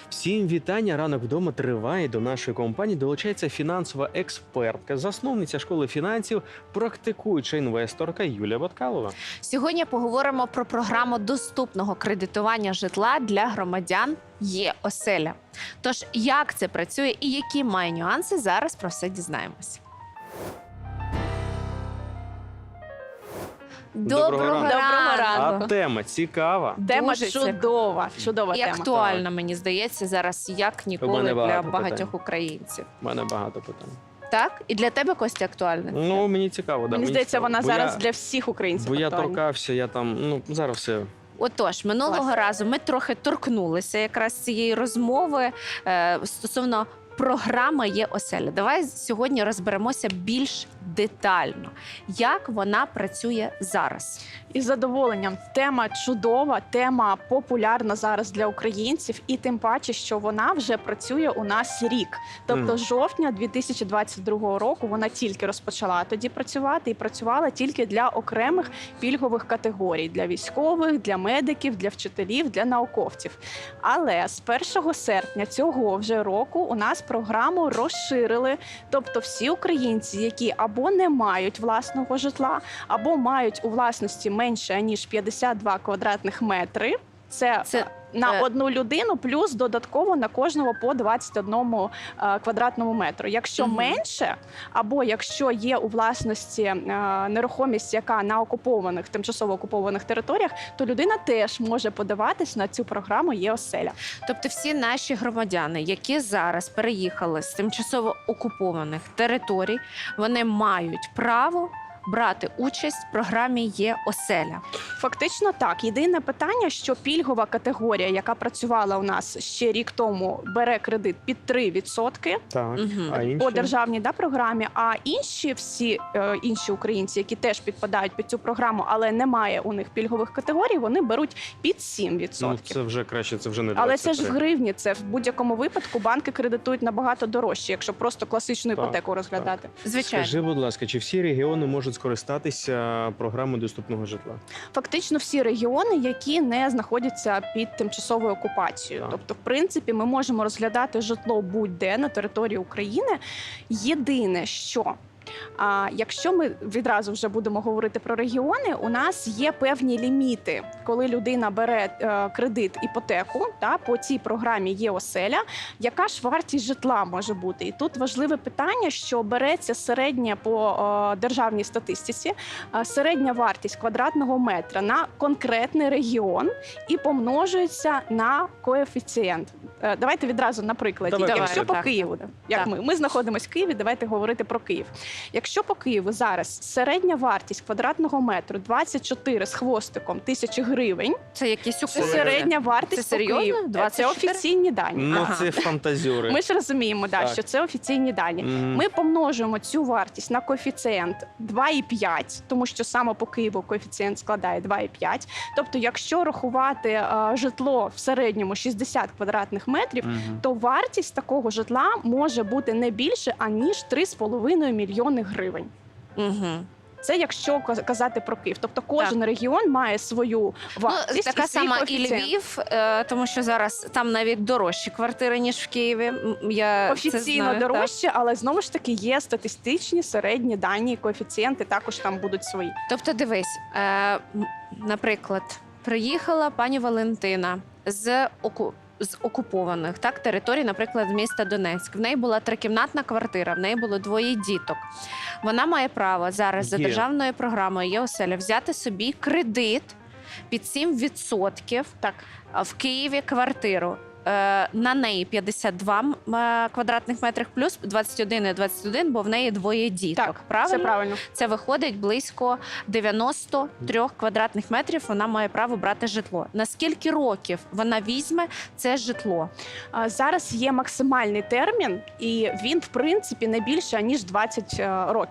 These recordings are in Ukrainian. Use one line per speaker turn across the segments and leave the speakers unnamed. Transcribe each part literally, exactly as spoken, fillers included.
Всім вітання. Ранок вдома триває. До нашої компанії долучається фінансова експертка, засновниця школи фінансів, практикуюча інвесторка Юлія Баткалова.
Сьогодні поговоримо про програму доступного кредитування житла для громадян Є-оселя. Тож, як це працює і які має нюанси, зараз про все дізнаємось.
Доброго
Доброго
ранку.
ранку.
А тема цікава.
Тема
Дуже
чудова, чудова
І
тема.
актуальна, мені здається, зараз як
У
ніколи
мене
для
багато
багатьох
питань.
українців.
У мене багато питань.
Так? І для тебе, Костя, актуальна?
Ну, мені цікаво. Да,
Мені здається,
цікаво.
вона
Бо
зараз
я,
для всіх українців
Бо я
актуальна.
торкався, я там, ну, зараз все.
Отож, минулого
Клас.
разу ми трохи торкнулися якраз цієї розмови е, стосовно програми Є-оселя. Давай сьогодні розберемося більш детально, як вона працює зараз.
Із задоволенням. Тема чудова, тема популярна зараз для українців, і тим паче, що вона вже працює у нас рік. Тобто
Мгм.
з жовтня дві тисячі двадцять другого року вона тільки розпочала тоді працювати і працювала тільки для окремих пільгових категорій: для військових, для медиків, для вчителів, для науковців. Але з першого серпня цього вже року у нас програму розширили. Тобто всі українці, які або не мають власного житла, або мають у власності менше ніж п'ятдесят два квадратних метри. Це,
Це,
на
е,
одну людину, плюс додатково на кожного по двадцять одному е, квадратному метру. Якщо
Мгм.
менше, або якщо є у власності е, нерухомість, яка на окупованих, тимчасово окупованих територіях, то людина теж може подаватись на цю програму Є-оселя.
Тобто всі наші громадяни, які зараз переїхали з тимчасово окупованих територій, вони мають право брати участь в програмі Є-оселя.
Фактично так. Єдине питання, що пільгова категорія, яка працювала у нас ще рік тому, бере кредит під три відсотки
Так,
Мгм.
а інші?
по державній да, програмі, а інші всі е, інші українці, які теж підпадають під цю програму, але немає у них пільгових категорій, вони беруть під сім відсотків.
Ну, це вже краще, це вже не
Але це ж в
двадцять три.
гривні, це в будь-якому випадку банки кредитують набагато дорожче, якщо просто класичну
Так,
іпотеку розглядати.
Звичайно.
Скажи, будь ласка, чи всі регіони можуть скористатися програмою доступного житла?
Фактично всі регіони, які не знаходяться під тимчасовою окупацією.
Так.
Тобто, в принципі, ми можемо розглядати житло будь-де на території України. Єдине, що а якщо ми відразу вже будемо говорити про регіони, у нас є певні ліміти, коли людина бере е, кредит, іпотеку, та, по цій програмі Є-оселя, яка ж вартість житла може бути? І тут важливе питання, що береться середня по е, державній статистиці, е, середня вартість квадратного метра на конкретний регіон і помножується на коефіцієнт. Е, давайте відразу на прикладі.
Давай,
Якщо
давай,
по
так,
Києву,
так.
як
Так.
ми, ми знаходимося в Києві, давайте говорити про Київ. Якщо по Києву зараз середня вартість квадратного метру двадцять чотири з хвостиком тисячі гривень,
Це якісь
це
уколи.
середня вартість
Це
по
серйозно?
Києву. Це
двадцять чотири?
офіційні дані.
Ну,
Ага.
це фантазіори.
Ми ж розуміємо, да,
Так.
що це офіційні дані.
Мгм.
Ми помножуємо цю вартість на коефіцієнт два і п'ять, тому що саме по Києву коефіцієнт складає два і п'ять. Тобто, якщо рахувати е, житло в середньому шістдесят квадратних метрів,
Мгм.
то вартість такого житла може бути не більше, аніж три з половиною мільйони гривень.
Угу.
Це якщо каз- казати про Київ. Тобто кожен регіон має свою
Ну,
вартість.
така
і свій
сама і
коефіцієнт.
Львів, е, тому що зараз там навіть дорожчі квартири, ніж в Києві. М, Я це
Офіційно
знаю, так.
дорожче, але знову ж таки є статистичні середні дані, коефіцієнти також там будуть свої.
Тобто, дивись, е, м, наприклад, приїхала пані Валентина з оку. З окупованих так територій, наприклад, з міста Донецьк. В неї була трикімнатна квартира, в неї було двоє діток. Вона має право зараз за
Є.
державною програмою Є-оселя взяти собі кредит під сім відсотків
Так,
а в Києві квартиру. Е, На неї п'ятдесят два м, е, квадратних метрів плюс двадцять один і двадцять один, бо в неї двоє діток.
так,
Правильно?
все правильно.
Це виходить близько дев'яносто три квадратних метрів. Вона має право брати житло. На скільки років вона візьме це житло?
А, Зараз є максимальний термін, і він, в принципі, не більше ніж двадцять е, років.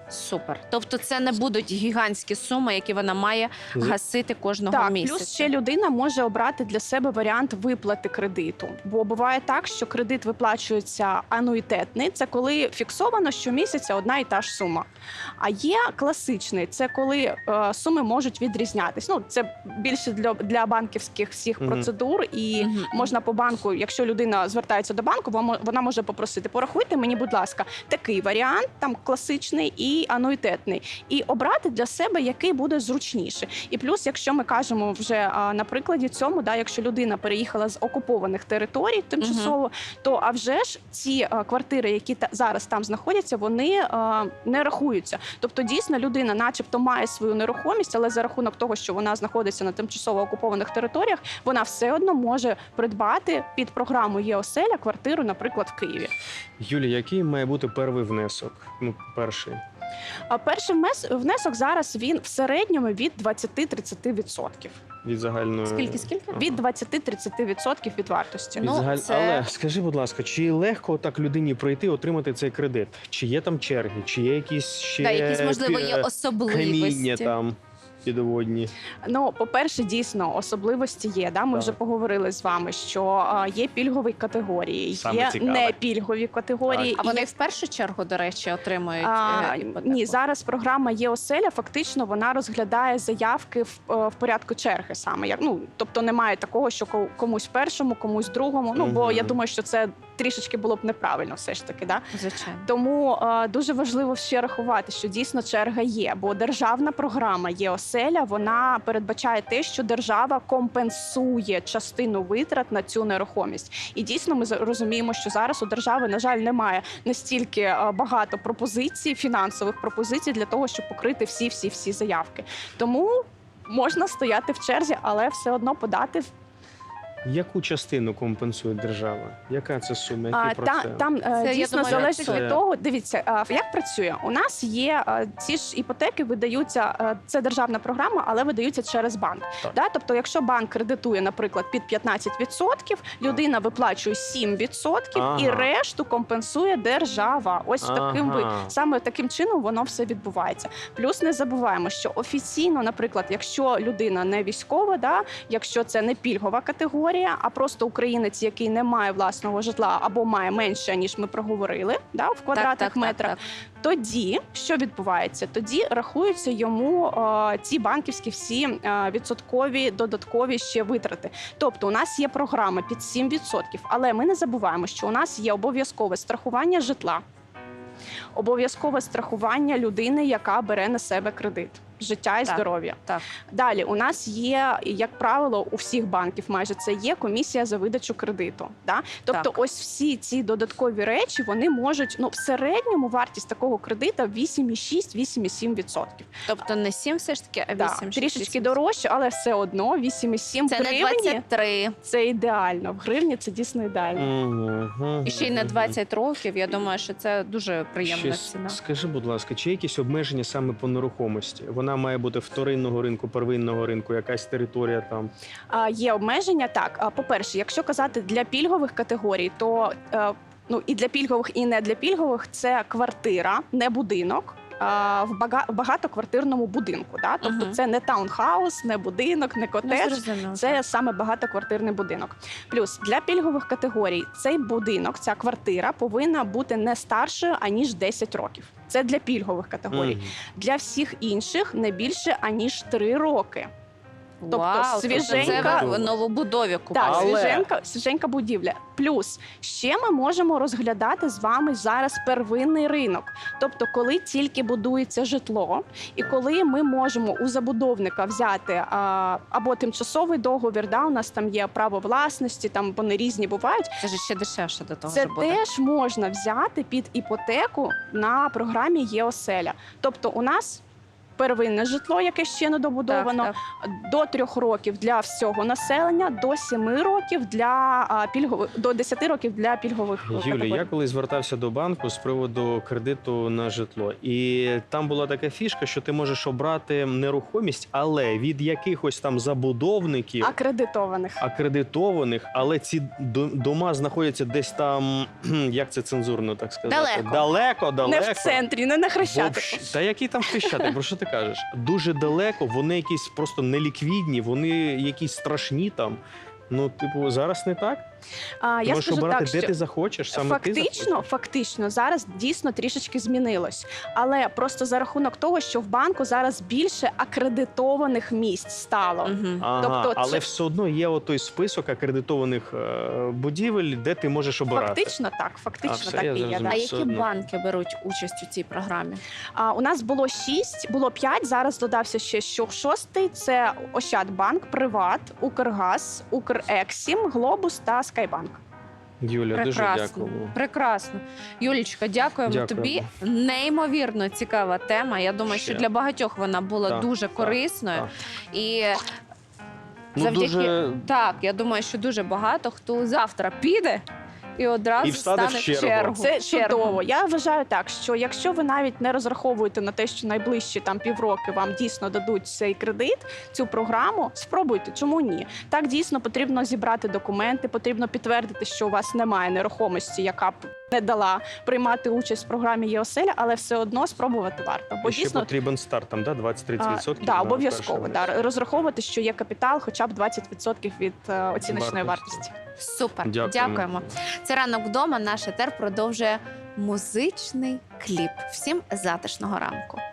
Супер. Тобто це не будуть гігантські суми, які вона має
З-
гасити кожного
Так,
місяця.
плюс ще людина може обрати для себе варіант виплати кредиту. Бо буває так, що кредит виплачується ануїтетний, це коли фіксовано щомісяця одна і та ж сума. А є класичний, це коли е, суми можуть відрізнятись. Ну, це більше для, для банківських всіх
Мгм.
процедур, і
Мгм.
можна по банку, якщо людина звертається до банку, вона мо- вона може попросити: порахуйте мені, будь ласка, такий варіант, там класичний і ануїтетний, і обрати для себе, який буде зручніше. І плюс, якщо ми кажемо вже а, на прикладі цьому, да, якщо людина переїхала з окупованих територій тимчасово, то а вже ж ці а, квартири, які та, зараз там знаходяться, вони а, не рахуються. Тобто, дійсно, людина, начебто, має свою нерухомість, але за рахунок того, що вона знаходиться на тимчасово окупованих територіях, вона все одно може придбати під програму ЄОселя квартиру, наприклад, в Києві.
Юлія, який має бути перший внесок? Ну, перший.
А перший вмес- внесок зараз він в середньому від двадцять-тридцять відсотків.
Від загальної...
Скільки, скільки?
Ага.
Від двадцять-тридцять відсотків від вартості.
Від
Ну,
загаль...
це-
Але скажи, будь ласка, чи легко так людині пройти, отримати цей кредит? Чи є там черги, чи є якісь ще
Да, якісь, можливо, є
пі- каміння
особливості.
там підводні?
Ну, по-перше, дійсно, особливості є. Да? Ми
Так.
вже поговорили з вами, що а, є пільгові категорії,
Саме
є
цікаве.
непільгові категорії.
А
і
вони
є-
в першу чергу, до речі, отримують
А,
е, іпотеку?
ні, зараз програма ЄОселя, фактично вона розглядає заявки в, е, в порядку черги саме. Як, ну, тобто немає такого, що ко- комусь першому, комусь другому. Ну, бо
Мгм.
я думаю, що це трішечки було б неправильно все ж таки. Да?
Звичайно.
Тому е, дуже важливо ще рахувати, що дійсно черга є, бо державна програма ЄОселя, вона передбачає те, що держава компенсує частину витрат на цю нерухомість. І дійсно ми за- розуміємо, що зараз у держави, на жаль, немає настільки е, багато пропозицій, фінансових пропозицій для того, щоб покрити всі, всі, всі заявки. Тому можна стояти в черзі, але все одно подати в
Яку частину компенсує держава? Яка це сума? Який
А, та,
процент?
там е,
Це, я
дійсно
думаю,
залежить
це-
від того. Дивіться, а, як працює. У нас є а, ці ж іпотеки, видаються. а, Це державна програма, але видаються через банк.
Так.
Да? Тобто, якщо банк кредитує, наприклад, під п'ятнадцять відсотків, людина виплачує сім відсотків і
Ага.
решту компенсує держава. Ось таким ви
Ага.
саме таким чином воно все відбувається. Плюс не забуваємо, що офіційно, наприклад, якщо людина не військова, да, якщо це не пільгова категорія, а просто українець, який не має власного житла або має менше, ніж ми проговорили, да, в квадратних
так, так,
метрах,
так.
тоді що відбувається? Тоді рахуються йому е, ці банківські всі е, відсоткові додаткові ще витрати. Тобто, у нас є програма під сім відсотків, але ми не забуваємо, що у нас є обов'язкове страхування житла, обов'язкове страхування людини, яка бере на себе кредит. Життя і
Так.
здоров'я.
Так.
Далі у нас є, як правило, у всіх банків майже це є комісія за видачу кредиту. Да? Тобто,
Так.
ось всі ці додаткові речі вони можуть, ну в середньому вартість такого кредита вісім цілих шість - вісім цілих сім відсотків.
Тобто не сім все ж таки, а
Да,
вісім.
трішечки дорожче, але все одно вісім цілих сім
Це не
гривні
двадцять три.
це ідеально. В гривні це дійсно ідеально.
Мгм.
І ще й на двадцять років. Я думаю, що це дуже приємна
Ще
ціна.
скажи, будь ласка, чи є якісь обмеження саме по нерухомості? Вона має бути вторинного ринку, первинного ринку, якась територія там.
А, є обмеження. Так, а, по-перше, якщо казати для пільгових категорій, то е, ну і для пільгових, і не для пільгових це квартира, не будинок. а, В бага- в багатоквартирному будинку, да? Тобто
Мгм.
це не таунхаус, не будинок, не
Ну,
котедж,
зрозуміло,
це
так.
саме багатоквартирний будинок. Плюс для пільгових категорій цей будинок, ця квартира повинна бути не старшою аніж десять років. Це для пільгових категорій.
Мгм.
Для всіх інших не більше аніж три роки. тобто
Вау,
свіженька-
це ви в новобудові купили.
Так,
Але-
свіженька, свіженька будівля. Плюс ще ми можемо розглядати з вами зараз первинний ринок. Тобто, коли тільки будується житло, і коли ми можемо у забудовника взяти а, або тимчасовий договір, да, у нас там є право власності, там вони різні бувають.
Це ж ще дешевше до того
Це
ж буде.
теж можна взяти під іпотеку на програмі ЄОселя. Тобто, у нас первинне житло, яке ще не добудовано,
Так,
до трьох років для всього населення, до семи років для а, пільгових, до десяти років для пільгових
Юлі,
категорій.
я коли звертався до банку з приводу кредиту на житло, і там була така фішка, що ти можеш обрати нерухомість, але від якихось там забудовників
Акредитованих.
акредитованих, але ці до- дома знаходяться десь там, як це цензурно так сказати,
Далеко.
далеко, далеко.
Не в центрі, не на Хрещатику.
Вообще- Та який там хрещатик, про що ти кажеш? Дуже далеко, вони якісь просто неліквідні, вони якісь страшні там. Ну, типу, зараз не так?
А,
Ти
я
можеш
скажу
обирати,
так,
де
що
ти захочеш, саме ти
фактично,
захочеш.
фактично зараз дійсно трішечки змінилось, але просто за рахунок того, що в банку зараз більше акредитованих місць стало.
Угу.
Ага,
тобто
але
це-
все одно є отой список акредитованих е, будівель, де ти можеш обирати.
Фактично так, фактично
А, все,
так
я
і є.
зрозумів.
Да.
А
все
які
одно.
банки беруть участь у цій програмі?
А, у нас було шість, було п'ять. Зараз додався ще що шостий. Це Ощадбанк, Приват, Укргаз, Укрексім, Глобус та Скайбанк.
Юля, дуже
Прекрасно.
дякую.
Прекрасно. Юлічка, дякуємо,
Дякуємо.
тобі. Неймовірно цікава тема. Я думаю,
Ще.
що для багатьох вона була
Так,
дуже
так,
корисною.
так.
І
Ну,
завдяки
дуже...
так, я думаю, що дуже багато хто завтра піде і одразу
І встане в
стане
чергу.
чергу.
Це
Чергу.
чудово. Я вважаю так, що якщо ви навіть не розраховуєте на те, що найближчі там півроки вам дійсно дадуть цей кредит, цю програму, спробуйте. Чому ні? Так дійсно потрібно зібрати документи, потрібно підтвердити, що у вас немає нерухомості, яка б не дала приймати участь в програмі ЄОСЕЛЯ, але все одно спробувати варто. Бо
І ще
дійсно
потрібен старт, там, да? двадцять-тридцять відсотків?
да,
на
обов'язково
перший
да,
раз.
розраховувати, що є капітал, хоча б двадцять відсотків від е, оціночної
Вартості.
вартості.
Супер,
Дякуємо.
дякуємо. Це ранок вдома. Наш етер продовжує музичний кліп. Всім затишного ранку.